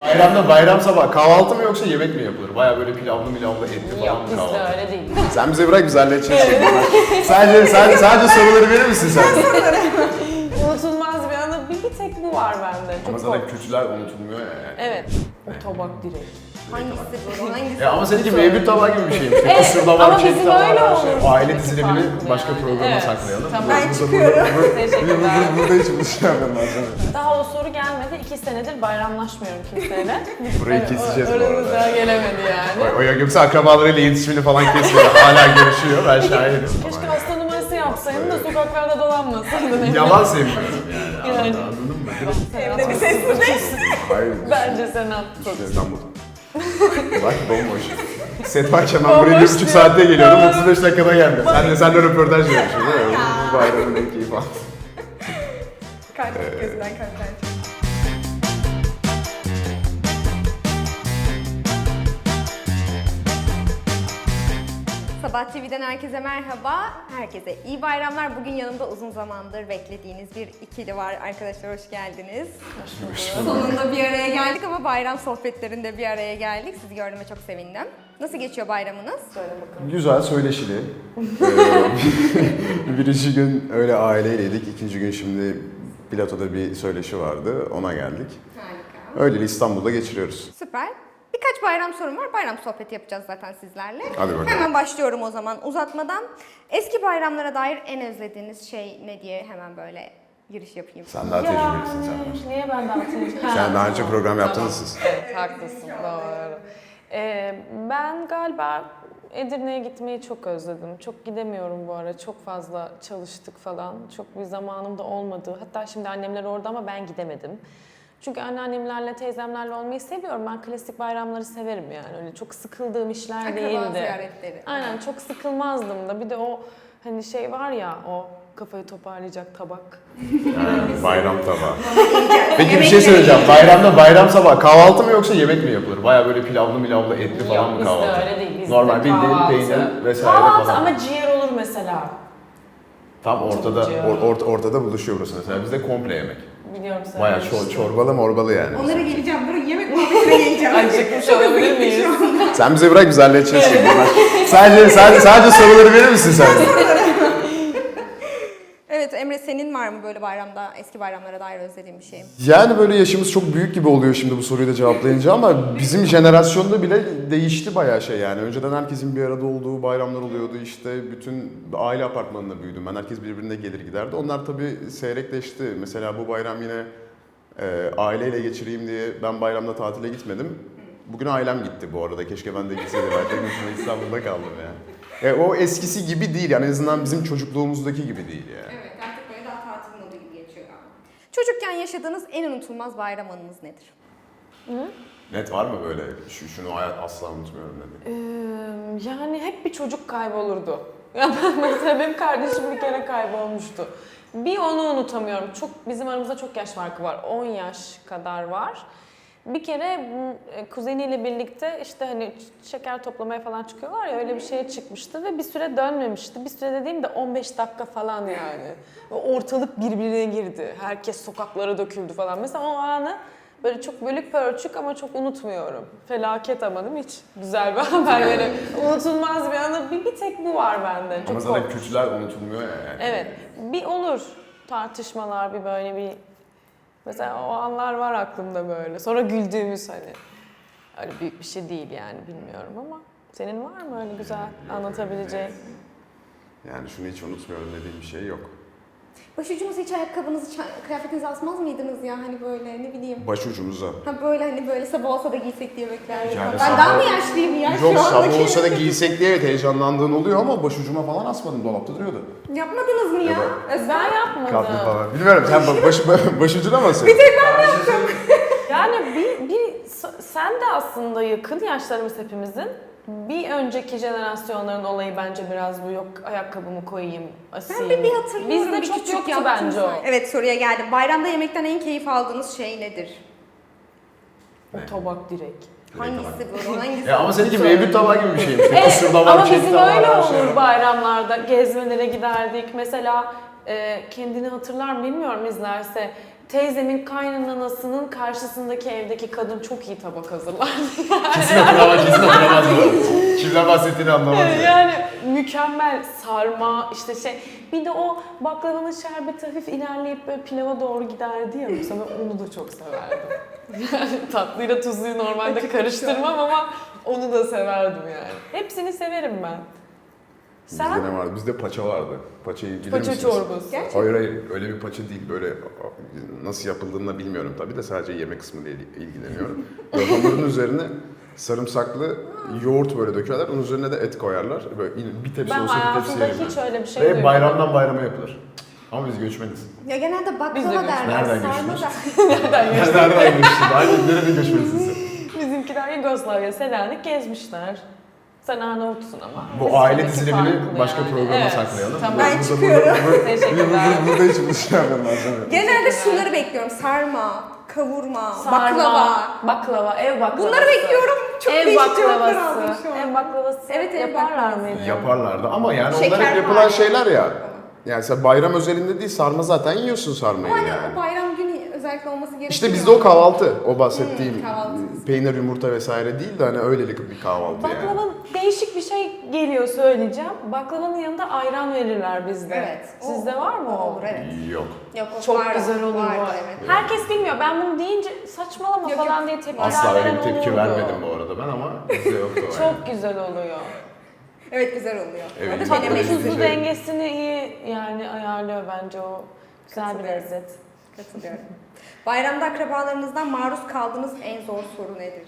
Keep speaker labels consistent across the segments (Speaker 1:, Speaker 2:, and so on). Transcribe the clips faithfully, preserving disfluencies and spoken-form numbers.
Speaker 1: Bayramda bayram sabah kahvaltı mı yoksa yemek mi yapılır? Baya böyle pilavlı milavlı etli falan
Speaker 2: Yok
Speaker 1: mı
Speaker 2: bizde
Speaker 1: kahvaltı?
Speaker 2: öyle değil.
Speaker 1: Sen bize bırak biz halledeceğiz şimdi. sadece, sadece, sadece soruları verir misin sen?
Speaker 2: Unutulmaz bir anı bir, bir tek bu var bende.
Speaker 1: Ama
Speaker 2: Çok
Speaker 1: zaten
Speaker 2: kork-
Speaker 1: kötüler unutulmuyor ya.
Speaker 2: Evet. O tabak direkt.
Speaker 3: Hangisi bu? Hangisi?
Speaker 1: Ya ama seninki mevcut tabağı gibi bir şeymiş.
Speaker 2: Evet,
Speaker 1: Kısır da var,
Speaker 2: ama
Speaker 1: çelik
Speaker 2: bizim
Speaker 1: tabağı
Speaker 2: öyle
Speaker 1: var.
Speaker 2: olur.
Speaker 1: Şey. Aile
Speaker 2: Bizimki
Speaker 1: dizilerini
Speaker 2: farklı
Speaker 1: başka
Speaker 2: yani.
Speaker 1: programa
Speaker 2: Evet,
Speaker 1: saklayalım.
Speaker 2: tamam.
Speaker 3: Ben
Speaker 1: Burada-
Speaker 3: çıkıyorum.
Speaker 1: Burada, burada,
Speaker 2: Teşekkürler.
Speaker 1: burada, burada hiç bir şey yapmıyorum ben sana.
Speaker 2: Daha o soru gelmedi. İki senedir bayramlaşmıyorum kimseyle.
Speaker 1: Burayı
Speaker 2: Evet,
Speaker 1: keseceğiz
Speaker 2: o-
Speaker 1: bu arada.
Speaker 2: Aramıza gelemedi yani.
Speaker 1: O, o yoksa akrabalarıyla iletişimini falan kesmiyor. Hala görüşüyor. Ben şahidim.
Speaker 2: Keşke hasta numarası yapsaydın da sokaklarda dolanmasaydın.
Speaker 1: Yalan sevmiyorum yani.
Speaker 2: Yani.
Speaker 1: Anladın mı?
Speaker 3: Evde bir sessizlik.
Speaker 1: Hayır.
Speaker 2: Bence sen haklısın.
Speaker 1: İşte İstanbul. Bak bomboş. Set varken ben buraya bir buçuk saatte geliyordum. otuz beş dakikada geldim. Sen de sen de röportaj yapıyorsun değil mi? Bu bayramın en keyif aldım.
Speaker 3: Kalp gözünden kalpten çıktı. Sabah T V'den herkese merhaba. Herkese iyi bayramlar. Bugün yanımda uzun zamandır beklediğiniz bir ikili var. Arkadaşlar hoş geldiniz. Sonunda bir araya geldik ama bayram sohbetlerinde bir araya geldik. Sizi gördüğüme çok sevindim. Nasıl geçiyor bayramınız?
Speaker 2: Söyle bakalım.
Speaker 1: Güzel, söyleşili. Ee, Birinci gün öyle aileyledik. İkinci gün şimdi Plato'da bir söyleşi vardı. Ona geldik.
Speaker 3: Harika.
Speaker 1: Öyle İstanbul'da geçiriyoruz.
Speaker 3: Süper. Birkaç bayram sorum var. Bayram sohbeti yapacağız zaten sizlerle.
Speaker 1: Hadi bakalım.
Speaker 3: Hemen başlıyorum o zaman uzatmadan. Eski bayramlara dair en özlediğiniz şey ne diye hemen böyle giriş yapayım.
Speaker 1: Sen daha tecrübelisin sen. var.
Speaker 2: Niye ben daha tecrübelisin?
Speaker 1: Sen daha önce program yaptınız siz.
Speaker 2: Evet, haklısın. Doğru. Ee, ben galiba Edirne'ye gitmeyi çok özledim. Çok gidemiyorum bu ara. Çok fazla çalıştık falan. Çok bir zamanım da olmadı. Hatta şimdi annemler orada ama ben gidemedim. Çünkü anneannemlerle, teyzemlerle olmayı seviyorum. Ben klasik bayramları severim yani. Öyle çok sıkıldığım işler
Speaker 3: Akraba
Speaker 2: değildi.
Speaker 3: ziyaretleri.
Speaker 2: Aynen, çok sıkılmazdım da. Bir de o hani şey var ya, o kafayı toparlayacak tabak.
Speaker 1: Yani bayram tabağı. Peki bir şey söyleyeceğim. Bayramda bayram sabah kahvaltı mı yoksa yemek mi yapılır? Baya böyle pilavlı milavlı etli falan
Speaker 2: Yok
Speaker 1: mı
Speaker 2: bizde
Speaker 1: kahvaltı?
Speaker 2: öyle değil. Bizde
Speaker 1: Normal bildiğin
Speaker 2: kahvaltı.
Speaker 1: peynir vesaire
Speaker 2: Kahvaltı
Speaker 1: falan.
Speaker 2: ama ciğer olur mesela.
Speaker 1: Tam ortada
Speaker 2: Ciğer.
Speaker 1: or, ort- ortada buluşuyor burası mesela. Bizde komple yemek.
Speaker 2: Biliyorum sen.
Speaker 1: Baya çor, çorbalı morbalı yani.
Speaker 3: Onlara geleceğim. Buraya yemek muhabbetine geleceğim.
Speaker 2: Acıkmış olabilir miyiz?
Speaker 1: Sen bize bırak biz halledeceğiz şimdi. sadece, sadece, sadece soruları verir misin sen?
Speaker 3: Evet Emre, senin var mı böyle bayramda, eski bayramlara dair özlediğin bir şey?
Speaker 1: Yani böyle yaşımız çok büyük gibi oluyor şimdi bu soruyu da cevaplayınca ama bizim jenerasyonda bile değişti bayağı şey yani. Önceden herkesin bir arada olduğu bayramlar oluyordu işte bütün aile apartmanında büyüdüm ben. Herkes birbirine gelir giderdi. Onlar tabii seyrekleşti. Mesela bu bayram yine e, aileyle geçireyim diye ben bayramda tatile gitmedim. Bugün ailem gitti bu arada. Keşke ben de gitseydim. Ben tek başıma İstanbul'da kaldım ya. E, o eskisi gibi değil yani en azından bizim çocukluğumuzdaki gibi değil yani.
Speaker 3: Evet, artık böyle daha tatil modu gibi geçiyor galiba. Çocukken yaşadığınız en unutulmaz bayram anınız nedir?
Speaker 1: Net var mı böyle şu, şunu hayat asla unutmuyorum dedi.
Speaker 2: Ee, yani hep bir çocuk kaybolurdu. Ya ben mesela benim kardeşim bir kere kaybolmuştu. Bir onu unutamıyorum. Çok bizim aramızda çok yaş farkı var. on yaş kadar var. Bir kere m, kuzeniyle birlikte işte hani şeker toplamaya falan çıkıyorlar ya öyle bir şeye çıkmıştı ve bir süre dönmemişti. Bir süre dediğim de on beş dakika falan yani. Ve ortalık birbirine girdi. Herkes sokaklara döküldü falan. Mesela o anı böyle çok bölük pörçük ama çok unutmuyorum. Felaket ama değil mi hiç? Güzel bir haber yani. Unutulmaz bir anı. Bir, bir tek bu var bende. Çok
Speaker 1: Ama zaten
Speaker 2: korkunç.
Speaker 1: kötüler unutulmuyor ya yani.
Speaker 2: Evet. Bir olur tartışmalar bir böyle bir mesela o anlar var aklımda böyle. Sonra güldüğümüz hani öyle büyük bir şey değil yani bilmiyorum ama senin var mı öyle güzel anlatabileceğin?
Speaker 1: Yani şunu hiç unutmuyorum dediğim bir şey yok.
Speaker 3: Başucumuza hiç ayakkabınızı, ça- kıyafetinizi asmaz mıydınız ya hani böyle ne bileyim?
Speaker 1: Başucumuza.
Speaker 3: Ha böyle hani böyle sabah olsa da giysek diye beklerdim.
Speaker 1: Yani
Speaker 3: Ben
Speaker 1: sabah-
Speaker 3: daha mı yaşlıyım ya
Speaker 1: Yok
Speaker 3: şu andaki?
Speaker 1: sabah olsa da giysek diye evet heyecanlandığın oluyor ama başucuma falan asmadım dolapta duruyordu.
Speaker 3: Yapmadınız mı ya?
Speaker 1: Evet.
Speaker 2: Ben yapmadım.
Speaker 1: Kaplı falan. Bilmiyorum sen ba- baş, başucuna mı asıyorsun?
Speaker 2: Yani bir, bir sen de aslında yakın yaşlarımız hepimizin. Bir önceki jenerasyonların olayı bence biraz bu yok ayakkabımı koyayım, asayım.
Speaker 3: Ben bir, bir hatırlıyorum.
Speaker 2: Bizde
Speaker 3: bir
Speaker 2: çok
Speaker 3: küçük
Speaker 2: yoktu
Speaker 3: yaptım
Speaker 2: bence o.
Speaker 3: sanki. Evet soruya geldim. Bayramda yemekten en keyif aldığınız şey nedir?
Speaker 2: O tabak direkt.
Speaker 3: Hangisi bu? Hangisi?
Speaker 1: Ya ama seninki mevcut tabağı gibi bir şeymiş.
Speaker 2: Evet,
Speaker 1: Kısır da var,
Speaker 2: ama
Speaker 1: çelik
Speaker 2: bizim
Speaker 1: de var,
Speaker 2: öyle
Speaker 1: her şey
Speaker 2: olur
Speaker 1: var.
Speaker 2: bayramlarda. Gezmelere giderdik. Mesela e, kendini hatırlar mı bilmiyorum izlerse. teyzemin kaynanasının karşısındaki evdeki kadın çok iyi tabak hazırlardı.
Speaker 1: Kesin hatırlamaz, kesin hatırlamaz bu. Kimden bahsettiğini anlamaz. Yani.
Speaker 2: Yani mükemmel sarma işte şey. Bir de o baklavanın şerbeti hafif ilerleyip böyle pilava doğru giderdi ya mesela ben onu da çok severdim. Yani tatlıyla tuzluyu normalde karıştırmam ama onu da severdim yani. Hepsini severim ben. Sen?
Speaker 1: Bizde ne vardı? Bizde paça vardı. Paçayı bilir
Speaker 2: Paça
Speaker 1: misiniz?
Speaker 2: çorbası.
Speaker 3: Gerçekten.
Speaker 1: Hayır hayır öyle bir paça değil böyle nasıl yapıldığını da bilmiyorum tabii de sadece yemek kısmıyla il- ilgileniyorum. Böyle hamurun üzerine sarımsaklı yoğurt böyle dökerler onun üzerine de et koyarlar. Böyle bir tepsi
Speaker 2: Ben
Speaker 1: olsa bir tepsi
Speaker 2: hayatımda
Speaker 1: yerim
Speaker 2: hiç
Speaker 1: ben.
Speaker 2: öyle bir şey
Speaker 1: Ve
Speaker 2: duymadım.
Speaker 1: bayramdan bayrama yapılır. Ama biz göçmeniz.
Speaker 3: Ya genelde
Speaker 2: Biz de
Speaker 3: baklava
Speaker 2: göçmeniz.
Speaker 3: derler,
Speaker 1: Nereden
Speaker 3: sarma
Speaker 1: göçmeniz?
Speaker 3: da.
Speaker 2: Nereden geçti?
Speaker 1: Nereden göçtün? Aynen nereden göçmeniz siz?
Speaker 2: Bizimkiler Yugoslavya, Selanik gezmişler. Sen Arnavutsun ama.
Speaker 1: Bu
Speaker 2: Biz
Speaker 1: aile
Speaker 2: tabii ki
Speaker 1: dizilimini
Speaker 2: farklı
Speaker 1: başka
Speaker 2: yani.
Speaker 1: programa
Speaker 2: Evet,
Speaker 1: saklayalım.
Speaker 2: Tamam.
Speaker 3: Ben
Speaker 1: Burada-
Speaker 3: çıkıyorum.
Speaker 1: Burada, burada,
Speaker 2: Teşekkürler.
Speaker 1: burada, burada hiç bir şey yapmam lazım.
Speaker 3: Genelde şunları bekliyorum. Sarma, kavurma,
Speaker 2: Sarma,
Speaker 3: baklava.
Speaker 2: baklava, ev baklavası.
Speaker 3: Bunları bekliyorum. Çok
Speaker 2: ev
Speaker 3: değişik cevaplar aldım
Speaker 2: baklavası.
Speaker 3: şu an.
Speaker 2: Ev baklavası.
Speaker 3: Evet, ev
Speaker 2: yaparlar
Speaker 3: baklavası.
Speaker 2: mıydı?
Speaker 1: Yaparlardı ama yani onlar
Speaker 3: Şeker
Speaker 1: hep yapılan
Speaker 3: var.
Speaker 1: şeyler ya. Yani sen bayram özelinde değil sarma zaten yiyorsun sarmayı
Speaker 3: Ama hani
Speaker 1: yani.
Speaker 3: o bayram günü özellikle olması gerekiyor.
Speaker 1: İşte bizde o kahvaltı, o bahsettiğim
Speaker 3: Hmm, kahvaltı.
Speaker 1: peynir, yumurta vesaire değil de hani öylelik bir kahvaltı yani.
Speaker 2: Baklavanın değişik bir şey geliyor söyleyeceğim. Baklavanın yanında ayran verirler bizde.
Speaker 3: Evet.
Speaker 2: Sizde
Speaker 3: o-
Speaker 2: var mı o?
Speaker 3: Olur evet.
Speaker 1: Yok.
Speaker 3: Yok, o
Speaker 2: Çok
Speaker 3: var,
Speaker 2: güzel olur
Speaker 3: var,
Speaker 2: bu.
Speaker 3: evet.
Speaker 2: Herkes bilmiyor. Ben bunu deyince saçmalama
Speaker 3: Yok,
Speaker 2: falan
Speaker 3: yok.
Speaker 2: diye tepkiler
Speaker 1: Asla öyle
Speaker 2: veren
Speaker 1: bir tepki
Speaker 2: olurdu.
Speaker 1: vermedim bu arada ben ama bizde yoktu o yani.
Speaker 2: Çok güzel oluyor.
Speaker 3: Evet güzel oluyor.
Speaker 1: Evet,
Speaker 3: Orada
Speaker 1: tatlı
Speaker 3: denemek
Speaker 1: tuzlu
Speaker 2: Tuzlu
Speaker 3: istedim.
Speaker 1: şey.
Speaker 2: dengesini iyi yani ayarlıyor bence o. Güzel bir
Speaker 3: Katılıyorum.
Speaker 2: lezzet.
Speaker 3: Katılıyorum. Bayramda akrabalarınızdan maruz kaldığınız en zor soru nedir?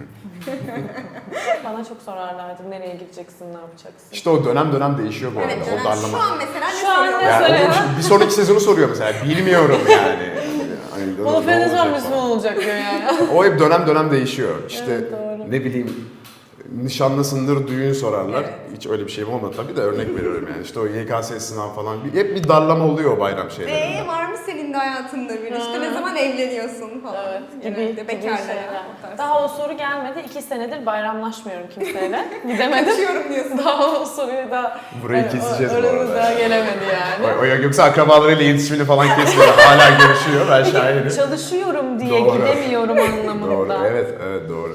Speaker 2: Bana çok sorarlardı. Nereye gideceksin, ne yapacaksın?
Speaker 1: İşte o dönem dönem değişiyor bu arada
Speaker 3: Evet,
Speaker 1: o
Speaker 3: dönem-
Speaker 1: darlama.
Speaker 3: şu an mesela ne
Speaker 2: Şu an ne
Speaker 3: soruyorlar?
Speaker 1: Yani
Speaker 2: Mesela-
Speaker 1: o şimdi bir sonraki sezonu soruyor mesela bilmiyorum yani. Hani ne
Speaker 2: Monofreniz var,
Speaker 1: olacak
Speaker 2: Müslüman
Speaker 1: falan.
Speaker 2: olacak diyor yani.
Speaker 1: O hep dönem dönem değişiyor. İşte
Speaker 2: Evet, doğru.
Speaker 1: ne bileyim nişanlısındır düğün sorarlar.
Speaker 3: Evet.
Speaker 1: Hiç öyle bir şeyim olmadı tabii de örnek veriyorum yani. İşte o Y K S sınav falan. Bir- Hep bir darlama oluyor o bayram şeylerinde.
Speaker 3: Eee var mı senin de hayatında bir işte ne zaman evleniyorsun falan.
Speaker 2: Evet, gibi,
Speaker 3: Genelde
Speaker 2: gibi
Speaker 3: bekarlara,
Speaker 2: şeyler.
Speaker 3: o tarz.
Speaker 2: Daha o soru gelmedi. İki senedir bayramlaşmıyorum kimseyle. Gidemedim.
Speaker 3: Kaçıyorum diyorsun.
Speaker 2: Daha o soruyu da
Speaker 1: Burayı
Speaker 2: hani
Speaker 1: keseceğiz
Speaker 2: o,
Speaker 1: bu
Speaker 2: aramız
Speaker 1: arada.
Speaker 2: daha gelemedi yani.
Speaker 1: O, o yok yoksa akrabalarıyla iletişimini falan kesmiyor. Hala görüşüyor. Ben şahidim.
Speaker 2: Çalışıyorum diye
Speaker 1: Doğru.
Speaker 2: gidemiyorum anlamında.
Speaker 1: Doğru. Evet, evet doğru.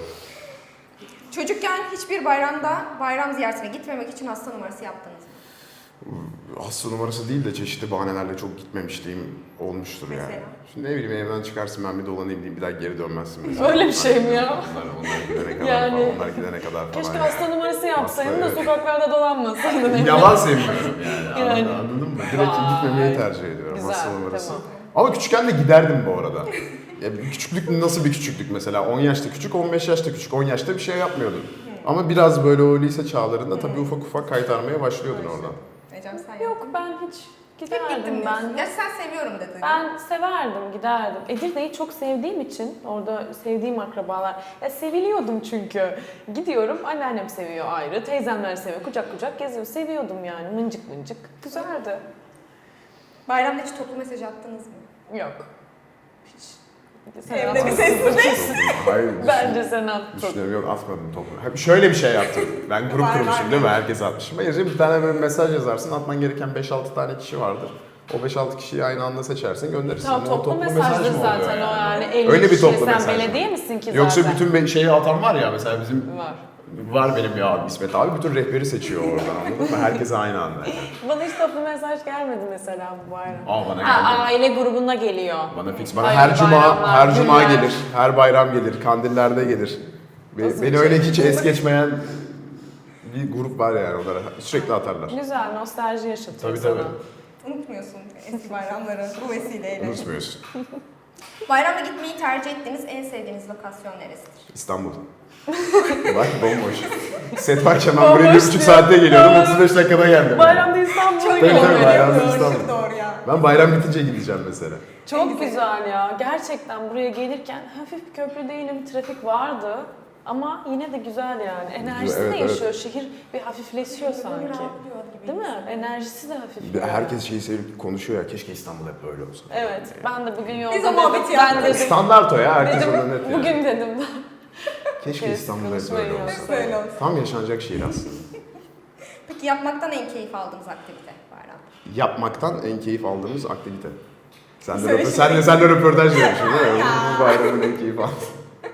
Speaker 3: Çocukken hiçbir bayramda bayram ziyaretine gitmemek için hasta numarası yaptınız mı?
Speaker 1: Hasta numarası değil de çeşitli bahanelerle çok gitmemişliğim olmuştur yani.
Speaker 3: Mesela?
Speaker 1: Şimdi ne bileyim evden çıkarsın ben bir dolanayım diyeyim bir daha geri dönmezsin mesela.
Speaker 2: Öyle bir şey mi ya?
Speaker 1: Onlar, onlar gidene kadar
Speaker 2: Yani-
Speaker 1: falan. Onlar gidene kadar falan.
Speaker 2: Keşke
Speaker 1: yani.
Speaker 2: hasta numarası yapsaydın
Speaker 1: Hasta,
Speaker 2: da
Speaker 1: evet.
Speaker 2: sokaklarda dolanmasaydın.
Speaker 1: Yalan sevmiyorum yani.
Speaker 2: Yani.
Speaker 1: Anladın, anladın mı? Direkt
Speaker 2: Vay.
Speaker 1: gitmemeyi tercih ediyorum
Speaker 2: Güzel,
Speaker 1: hasta numarası.
Speaker 2: tamam.
Speaker 1: Ama küçükken de giderdim bu arada. Ya küçüklük nasıl bir küçüklük mesela? on yaşta küçük, on beş yaşta küçük. on yaşta bir şey yapmıyordum. Ama biraz böyle o lise çağlarında tabii ufak ufak kaytarmaya başlıyordun oradan.
Speaker 3: Ecem sen
Speaker 2: Yok ben hiç
Speaker 3: Hep
Speaker 2: giderdim
Speaker 3: gittim
Speaker 2: ben.
Speaker 3: ben. Ya sen seviyorum dedin.
Speaker 2: Ben severdim, giderdim. Edirne'yi çok sevdiğim için, orada sevdiğim akrabalar. Ya seviliyordum çünkü. Gidiyorum, anneannem seviyor ayrı, teyzemler seviyor, kucak kucak geziyor. Seviyordum yani, mıncık mıncık. Güzeldi.
Speaker 3: Bayramda hiç toplu mesaj attınız mı?
Speaker 2: Yok. Hiç. Sen
Speaker 3: Evde
Speaker 2: atmadın.
Speaker 3: bir sessizlik.
Speaker 1: Hayır.
Speaker 2: Bence sen attın.
Speaker 1: Düşünüyorum yok atmadım topu. Ha, şöyle bir şey yaptım. Ben grup
Speaker 3: Var,
Speaker 1: kurmuşum
Speaker 3: var.
Speaker 1: değil mi? Herkes atmışım. Hayır bir tane böyle mesaj yazarsın. Atman gereken beş altı tane kişi vardır. O beş altı kişiyi aynı anda seçersin gönderirsin.
Speaker 2: Tamam,
Speaker 1: O
Speaker 2: toplu,
Speaker 1: mesaj
Speaker 2: mesajdır
Speaker 1: mı oluyor
Speaker 2: zaten o yani. elli
Speaker 1: Öyle bir
Speaker 2: kişi.
Speaker 1: toplu
Speaker 2: Sen
Speaker 1: mesaj.
Speaker 2: belediye misin ki zaten?
Speaker 1: Yoksa bütün be- şeyi atan var ya mesela bizim
Speaker 2: Var.
Speaker 1: var benim bir abi İsmet abi bütün rehberi seçiyor oradan anladın mı? Herkes aynı anda. Yani.
Speaker 2: Bana hiç toplu mesaj gelmedi mesela bu bayram.
Speaker 1: Aa bana
Speaker 2: Ha,
Speaker 1: geldi.
Speaker 2: aile grubuna geliyor.
Speaker 1: Bana fix. Bana
Speaker 2: Hayırlı
Speaker 1: her cuma
Speaker 2: bayramlar,
Speaker 1: her cuma
Speaker 2: günler.
Speaker 1: gelir. Her bayram gelir. Kandillerde gelir. Be-
Speaker 2: Nasıl
Speaker 1: beni
Speaker 2: bir
Speaker 1: öyle
Speaker 2: şey?
Speaker 1: hiç es geçmeyen bir grup var yani onlara. Sürekli atarlar.
Speaker 2: Güzel, nostalji yaşatıyor
Speaker 1: Tabii
Speaker 2: sana.
Speaker 1: tabii.
Speaker 3: Unutmuyorsun eski bayramları bu vesileyle.
Speaker 1: Unutmuyorsun.
Speaker 3: Bayramda gitmeyi tercih ettiğiniz en sevdiğiniz lokasyon neresidir?
Speaker 1: İstanbul. Bak bomboş. Set varken ben buraya bir
Speaker 2: Bomboş
Speaker 1: buçuk
Speaker 2: diyor.
Speaker 1: saatte geliyordum.
Speaker 2: Doğru.
Speaker 1: otuz beş dakikada geldim.
Speaker 2: Bayramda İstanbul'a
Speaker 1: Tabii,
Speaker 2: geliyor.
Speaker 1: tabii, bayramda
Speaker 3: Doğru,
Speaker 1: İstanbul.
Speaker 3: doğru ya.
Speaker 1: Ben bayram bitince gideceğim mesela.
Speaker 2: Çok güzel ya. Gerçekten buraya gelirken hafif bir köprü değilim, trafik vardı. Ama yine de güzel yani. Enerjisi
Speaker 1: Evet,
Speaker 2: de
Speaker 1: evet.
Speaker 2: yaşıyor. Şehir bir hafifleşiyor sanki.
Speaker 3: Rahatlıyor gibi.
Speaker 2: Değil mi? Enerjisi de hafif.
Speaker 1: Bir de Herkes şeyi sevip konuşuyor ya keşke İstanbul hep böyle olsa.
Speaker 2: Evet. Ben de bugün yolda
Speaker 3: Biz o muhabbeti
Speaker 2: dedim. Ben
Speaker 3: yaptık.
Speaker 2: dedim.
Speaker 1: Standart o ya herkes
Speaker 2: dedim
Speaker 1: orada net yani.
Speaker 2: bugün dedim.
Speaker 1: Keşke
Speaker 2: Kes,
Speaker 1: İstanbul hep
Speaker 2: konuşmayın
Speaker 1: böyle
Speaker 2: ya.
Speaker 1: olsa.
Speaker 3: Hep böyle olsun.
Speaker 1: Tam yaşanacak şehir aslında.
Speaker 3: Peki yapmaktan en keyif aldığınız aktivite bayramda?
Speaker 1: Yapmaktan en keyif aldığımız aktivite. Sen de,
Speaker 3: Söyle
Speaker 1: röportaj,
Speaker 3: şimdi.
Speaker 1: senle, senle röportaj yapıyorsun değil mi? Bu bayramın en keyif aldım.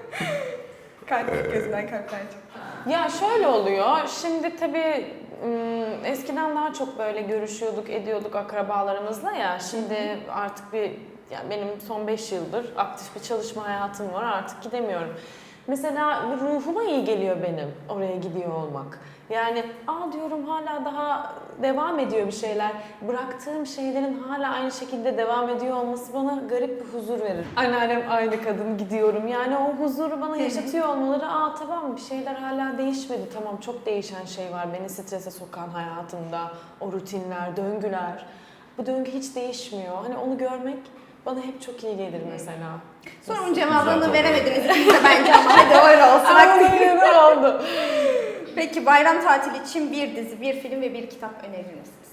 Speaker 3: Kalp gözünden kalpler çıktı.
Speaker 2: Ya şöyle oluyor, şimdi tabii ım, eskiden daha çok böyle görüşüyorduk, ediyorduk akrabalarımızla ya. Şimdi artık bir, yani benim son beş yıldır aktif bir çalışma hayatım var, artık gidemiyorum. Mesela ruhuma iyi geliyor benim oraya gidiyor olmak. Yani aa diyorum hala daha devam ediyor bir şeyler. Bıraktığım şeylerin hala aynı şekilde devam ediyor olması bana garip bir huzur verir. Anneannem aynı kadın gidiyorum. Yani o huzuru bana yaşatıyor olmaları, aa tamam bir şeyler hala değişmedi. Tamam çok değişen şey var beni strese sokan hayatımda. O rutinler, döngüler. Bu döngü hiç değişmiyor. Hani onu görmek bana hep çok iyi gelir mesela.
Speaker 3: Sorunun cevabını veremediniz ikiniz de bence ama hadi öyle olsun.
Speaker 2: Aynen öyle oldu.
Speaker 3: Peki bayram tatili için bir dizi, bir film ve bir kitap önerir misiniz?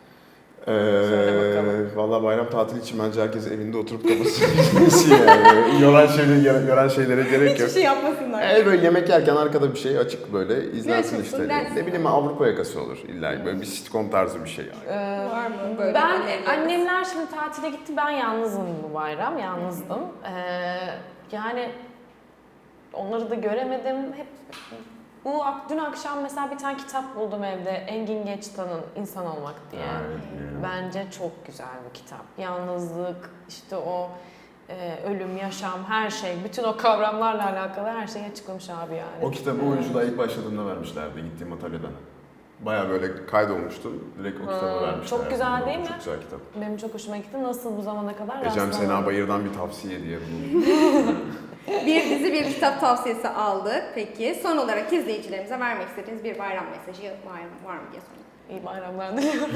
Speaker 2: Söyle bakalım.
Speaker 1: Ee, Valla bayram tatili için bence herkes evinde oturup kafasını yani. Yoran, şeyleri, yoran şeylere gerek yok.
Speaker 3: Hiçbir şey yapmasınlar.
Speaker 1: Ee, böyle yemek yerken arkada bir şey açık böyle izlensin
Speaker 3: açıksın,
Speaker 1: işte.
Speaker 3: dersin.
Speaker 1: Ne bileyim Avrupa yakası olur illa böyle bir sitcom tarzı bir şey yani.
Speaker 2: Ee,
Speaker 3: Var mı böyle
Speaker 2: Ben,
Speaker 3: önerileriniz?
Speaker 2: annemler şimdi tatile gitti, ben yalnızım bu bayram, yalnızdım. Ee, yani onları da göremedim. Hep bu dün akşam mesela bir tane kitap buldum evde, Engin Geçtan'ın İnsan Olmak diye.
Speaker 1: Evet.
Speaker 2: Bence çok güzel bir kitap. Yalnızlık, işte o e, ölüm, yaşam, her şey, bütün o kavramlarla alakalı her şeyi açıklamış abi yani.
Speaker 1: O kitabı oyunculuğa ilk başladığımda vermişlerdi gittiğim atölyeden. Baya böyle kaydolmuştum. Direkt o kitabı
Speaker 2: Hmm,
Speaker 1: vermişler.
Speaker 2: çok güzel değil mi?
Speaker 1: Çok güzel kitap.
Speaker 2: Benim çok hoşuma gitti. Nasıl bu zamana kadar
Speaker 1: Ecem
Speaker 2: rastlamadım.
Speaker 1: Sena Bayır'dan bir tavsiye diye bunu.
Speaker 3: Bir dizi, bir kitap tavsiyesi aldık. Peki son olarak izleyicilerimize vermek istediğiniz bir bayram mesajı var mı, var mı diye sorayım.
Speaker 2: İyi bayramlar diliyorum.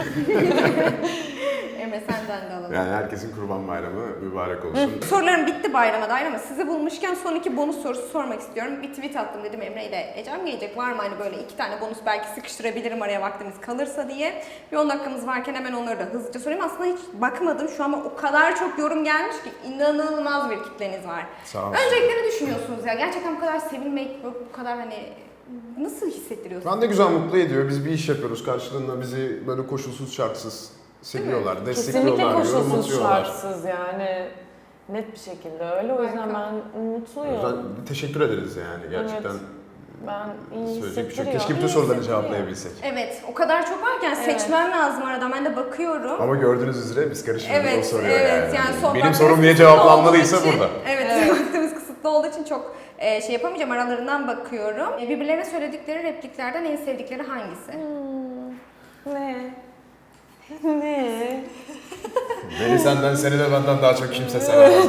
Speaker 3: Emre senden de alalım.
Speaker 1: Yani herkesin kurban bayramı mübarek olsun.
Speaker 3: Sorularım bitti bayrama dair ama sizi bulmuşken son iki bonus sorusu sormak istiyorum. Bir tweet attım dedim Emre ile Ecem gelecek. Var mı hani böyle iki tane bonus belki sıkıştırabilirim araya vaktimiz kalırsa diye. Bir on dakikamız varken hemen onları da hızlıca sorayım. Aslında hiç bakmadım şu an o kadar çok yorum gelmiş ki inanılmaz bir kitleniz var.
Speaker 1: Sağ olun.
Speaker 3: Öncelikle ne düşünüyorsunuz ya? gerçekten bu kadar sevilmek, bu kadar hani nasıl hissettiriyorsunuz?
Speaker 1: Ben de güzel mutlu ediyor. Biz bir iş yapıyoruz. Karşılığında bizi böyle koşulsuz şartsız seviyorlar,
Speaker 2: Kesinlikle
Speaker 1: destekliyorlar, yorum
Speaker 2: koşulsuz
Speaker 1: atıyorlar.
Speaker 2: şartsız yani. Net bir şekilde öyle. O yüzden
Speaker 3: Harika.
Speaker 2: ben
Speaker 1: O
Speaker 2: mutluyum.
Speaker 1: yüzden teşekkür ederiz yani gerçekten.
Speaker 2: Evet. Ben iyi
Speaker 1: Söyleyecek bir şey yok.
Speaker 2: hissettiriyor.
Speaker 1: Keşke bütün
Speaker 2: İyi
Speaker 1: soruları
Speaker 2: hissettiriyor.
Speaker 1: cevaplayabilsek.
Speaker 3: Evet, o kadar çok varken
Speaker 2: Evet.
Speaker 3: seçmem lazım aradan. Ben de bakıyorum.
Speaker 1: Ama gördüğünüz üzere biz karışmıyoruz.
Speaker 3: Evet,
Speaker 1: o soruyor
Speaker 3: evet.
Speaker 1: yani.
Speaker 3: Yani sohbetimiz
Speaker 1: Benim sorum niye
Speaker 3: kısıtlı
Speaker 1: cevaplanmalıysa
Speaker 3: olduğu için-
Speaker 1: burada.
Speaker 3: Evet,
Speaker 2: Evet.
Speaker 3: vaktimiz kısıtlı olduğu için çok e, şey yapamayacağım. Aralarından bakıyorum. E, birbirlerine söyledikleri repliklerden en sevdikleri hangisi?
Speaker 2: Hmm. Ne? Ne?
Speaker 1: Beni senden, seni de benden daha çok kimse sevemez.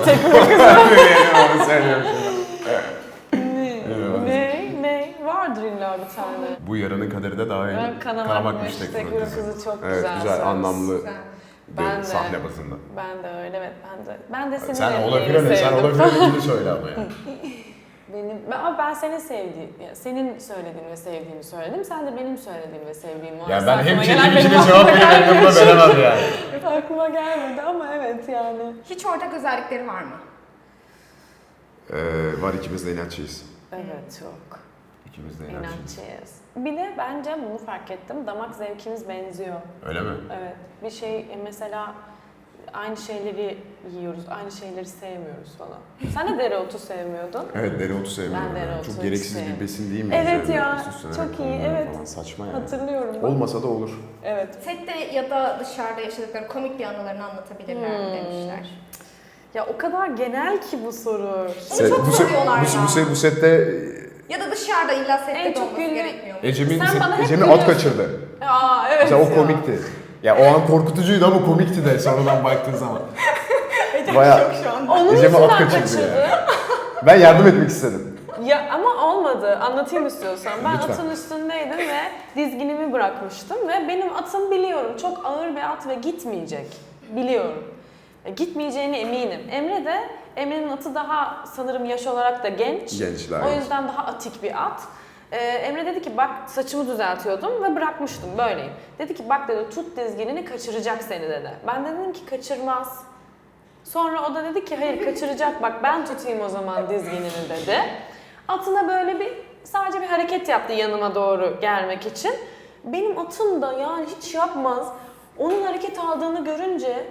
Speaker 1: Onu söylüyorum şimdi.
Speaker 2: Ne?
Speaker 1: Evet.
Speaker 2: Ne? Ne? Vardır illa bir tane.
Speaker 1: Bu yarının kaderi de daha iyi.
Speaker 2: Ben Kanamak Müştek
Speaker 1: Fırın
Speaker 2: Fırın
Speaker 1: dizisi.
Speaker 2: Kızı çok
Speaker 1: Evet,
Speaker 2: güzel.
Speaker 1: güzel,
Speaker 2: söz.
Speaker 1: anlamlı
Speaker 3: Güzel.
Speaker 1: bir
Speaker 2: Ben de.
Speaker 1: sahne bazında.
Speaker 2: Ben de öyle, evet ben de. Ben de seni
Speaker 1: Sen
Speaker 2: de
Speaker 1: olabilir ne? Sen
Speaker 2: sevdim.
Speaker 1: olabilir ne? söyle ama yani.
Speaker 2: Benim, ben, ama ben senin sevdiğin, yani senin söylediğin ve sevdiğimi söyledim. Sen de benim söylediğim ve sevdiğim var.
Speaker 1: Yani ben hem
Speaker 2: Aklıma
Speaker 1: çekip
Speaker 2: gelen
Speaker 1: içine
Speaker 2: benim
Speaker 1: cevap
Speaker 2: aklıma
Speaker 1: veriyorum hem buna
Speaker 2: gelmedi.
Speaker 1: veremem yani.
Speaker 2: Aklıma gelmedi ama evet yani.
Speaker 3: Hiç ortak özellikleri var mı?
Speaker 1: Ee, var ikimiz de inatçıyız.
Speaker 2: Evet çok.
Speaker 1: İkimiz de inatçıyız.
Speaker 2: İnatçıyız. Bir de bence bunu fark ettim. Damak zevkimiz benziyor.
Speaker 1: Öyle mi?
Speaker 2: Evet. Bir şey e, mesela aynı şeyleri yiyoruz, aynı şeyleri sevmiyoruz falan. Sen de dereotu sevmiyordun.
Speaker 1: Evet, dereotu sevmiyorum.
Speaker 2: Ben
Speaker 1: yani.
Speaker 2: dereotu
Speaker 1: Çok
Speaker 2: hiç
Speaker 1: gereksiz bir
Speaker 2: sevmiyorum.
Speaker 1: besin değil mi?
Speaker 2: Evet
Speaker 1: Üzerine
Speaker 2: ya,
Speaker 1: üst üstüne
Speaker 2: çok iyi,
Speaker 1: konuluyor
Speaker 2: evet.
Speaker 1: Falan. Saçma yani.
Speaker 2: Hatırlıyorum ben.
Speaker 1: Olmasa da olur.
Speaker 2: Evet.
Speaker 3: Sette ya da dışarıda yaşadıkları komik bir anılarını anlatabilirler mi
Speaker 2: Hmm.
Speaker 3: demişler.
Speaker 2: Ya o kadar genel ki bu soru.
Speaker 1: Set-
Speaker 3: çok
Speaker 1: bu, set-
Speaker 3: soruyorlar
Speaker 1: bu,
Speaker 3: ya.
Speaker 1: bu, set- bu sette
Speaker 3: Ya da dışarıda illa sette
Speaker 2: En
Speaker 3: de
Speaker 2: çok
Speaker 3: olması
Speaker 2: güldüğüm-
Speaker 3: gerekmiyor mu?
Speaker 1: Ecem'in
Speaker 2: Sen bana hep
Speaker 1: Ecem'i at
Speaker 2: gülüyorsun.
Speaker 1: kaçırdı.
Speaker 2: Aa evet
Speaker 1: Mesela o
Speaker 2: ya.
Speaker 1: komikti. Ya o an korkutucuydu ama komikti de sonradan baktığın zaman.
Speaker 3: Ecem
Speaker 1: Bayağı-
Speaker 3: şok şu anda.
Speaker 2: Onun
Speaker 1: Ecem'i at
Speaker 2: yüzünden
Speaker 1: kaçırdı
Speaker 2: kaçırdı.
Speaker 1: yani. Ben yardım etmek istedim.
Speaker 2: Ya ama olmadı. Anlatayım istiyorsan. Ben
Speaker 1: Lütfen.
Speaker 2: atın üstündeydim ve dizginimi bırakmıştım ve benim atım biliyorum çok ağır bir at ve gitmeyecek. Biliyorum. E, Gitmeyeceğine eminim. Emre de, Emre'nin atı daha sanırım yaş olarak da genç.
Speaker 1: Genç daha
Speaker 2: O
Speaker 1: genç.
Speaker 2: yüzden daha atik bir at. Ee, Emre dedi ki bak saçımı düzeltiyordum ve bırakmıştım böyleyim. Dedi ki bak dedi tut dizginini kaçıracak seni dedi. Ben de dedim ki kaçırmaz. Sonra o da dedi ki hayır kaçıracak bak ben tutayım o zaman dizginini dedi. Atına böyle bir sadece bir hareket yaptı yanıma doğru gelmek için. Benim atım da yani hiç yapmaz. Onun hareket aldığını görünce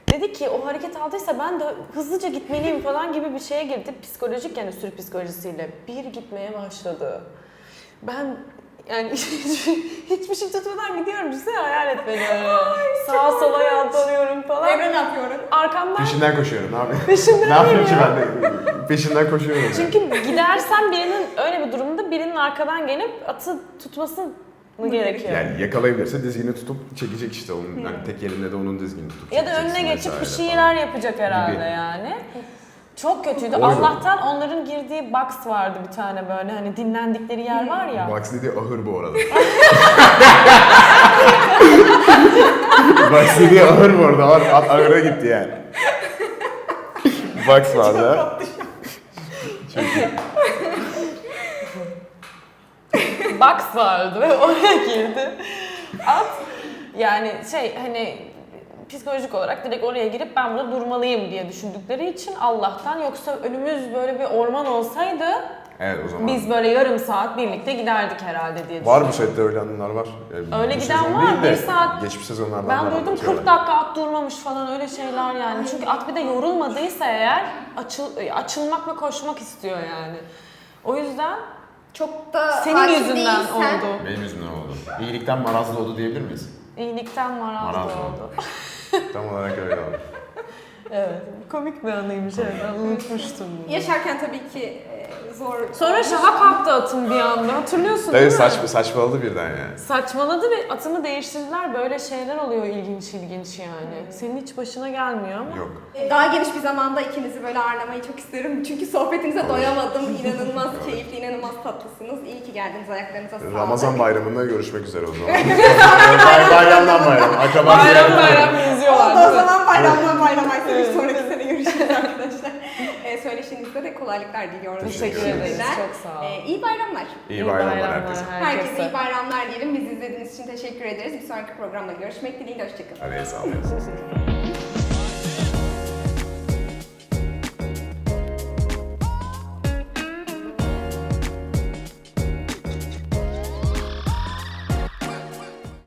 Speaker 2: Dedi ki o hareket aldıysa ben de hızlıca gitmeliyim falan gibi bir şeye girdi. Psikolojik yani sürü psikolojisiyle. Bir gitmeye başladı. Ben yani hiçbir şey tutmadan gidiyorum. Düşünsene hayal et beni öyle. Sağa sola yalpalıyorum falan.
Speaker 3: Emre ne yapıyor?
Speaker 2: Arkamdan
Speaker 1: Peşinden koşuyorum abi.
Speaker 2: Peşinden
Speaker 1: ne yapayım ki
Speaker 2: ya.
Speaker 1: ben de? Peşinden koşuyorum. yani.
Speaker 2: Çünkü gidersen birinin öyle bir durumda birinin arkadan gelip atı tutması mı gerekiyor?
Speaker 1: Yani yakalayabilirse dizgini tutup çekecek işte onun yani tek elinde de onun dizgini tutup
Speaker 2: Ya da
Speaker 1: çekeceksin
Speaker 2: önüne geçip bir
Speaker 1: vesaire
Speaker 2: şeyler
Speaker 1: falan.
Speaker 2: yapacak herhalde
Speaker 1: Gibi.
Speaker 2: yani. Çok kötüydü.
Speaker 1: Oydu.
Speaker 2: Allah'tan onların girdiği box vardı bir tane böyle hani dinlendikleri yer var ya.
Speaker 1: Box dediği ahır bu arada. Box dediği ahır bu arada. At, at ahıra gitti yani. Box vardı. Çok iyi.
Speaker 2: Box vardı ve oraya girdi. At yani şey hani psikolojik olarak direkt oraya girip ben burada durmalıyım diye düşündükleri için Allah'tan, yoksa önümüz böyle bir orman olsaydı
Speaker 1: Evet o zaman.
Speaker 2: biz böyle yarım saat birlikte giderdik herhalde diye
Speaker 1: Var
Speaker 2: düşünüyorum.
Speaker 1: bu sette öyle anılar var. Yani
Speaker 2: Öyle
Speaker 1: bu
Speaker 2: giden
Speaker 1: sezon
Speaker 2: var,
Speaker 1: değil de
Speaker 2: bir saat-
Speaker 1: Geçmiş sezonlardan
Speaker 2: Ben
Speaker 1: var
Speaker 2: duydum
Speaker 1: anlatıyorlar.
Speaker 2: kırk dakika at durmamış falan öyle şeyler yani. Çünkü at bir de yorulmadıysa eğer açıl, açılmak ve koşmak istiyor yani. O yüzden
Speaker 3: Çok da
Speaker 2: senin
Speaker 3: hakim
Speaker 2: yüzünden
Speaker 3: değilsen-
Speaker 2: oldu.
Speaker 1: Benim yüzümden oldu. İyilikten marazlı oldu diyebilir miyiz?
Speaker 2: İyilikten marazlı
Speaker 1: Marazlı
Speaker 2: oldu.
Speaker 1: Tam olarak öyle oldu.
Speaker 2: Evet, komik bir anıymış evet, ben unutmuştum bunu.
Speaker 3: Yaşarken tabii ki e, zor.
Speaker 2: Sonra
Speaker 3: olmuş.
Speaker 2: şaha kalktı atım bir anda, hatırlıyorsun değil
Speaker 1: Tabii
Speaker 2: mi?
Speaker 1: saçma, saçmaladı birden yani.
Speaker 2: Saçmaladı ve atımı değiştirdiler, böyle şeyler oluyor ilginç ilginç yani. Senin hiç başına gelmiyor ama.
Speaker 1: Yok.
Speaker 3: Daha geniş bir zamanda ikinizi böyle ağırlamayı çok isterim. Çünkü sohbetinize doyamadım. İnanılmaz keyifli, inanılmaz tatlısınız. İyi ki geldiniz, ayaklarınıza sağlık.
Speaker 1: Ramazan bayramında görüşmek üzere o zaman. Bay- bayramdan bayram. Akraba
Speaker 2: Bayram
Speaker 1: ziyaretleri.
Speaker 2: bayram geziyorlar.
Speaker 3: Oldu o zaman bayramdan bayrama bir sonraki sene görüşürüz arkadaşlar. E, söyleşinizde de kolaylıklar diliyorum.
Speaker 2: Teşekkür
Speaker 1: Teşekkür
Speaker 2: ederiz,
Speaker 3: sizden.
Speaker 2: çok sağ ol.
Speaker 3: E, iyi bayramlar.
Speaker 1: İyi bayramlar herkese.
Speaker 3: Herkese iyi bayramlar diyelim. Bizi izlediğiniz için teşekkür ederiz. Bir sonraki programda görüşmek dileğiyle. Hoşçakalın.
Speaker 1: Hadi sağ olun.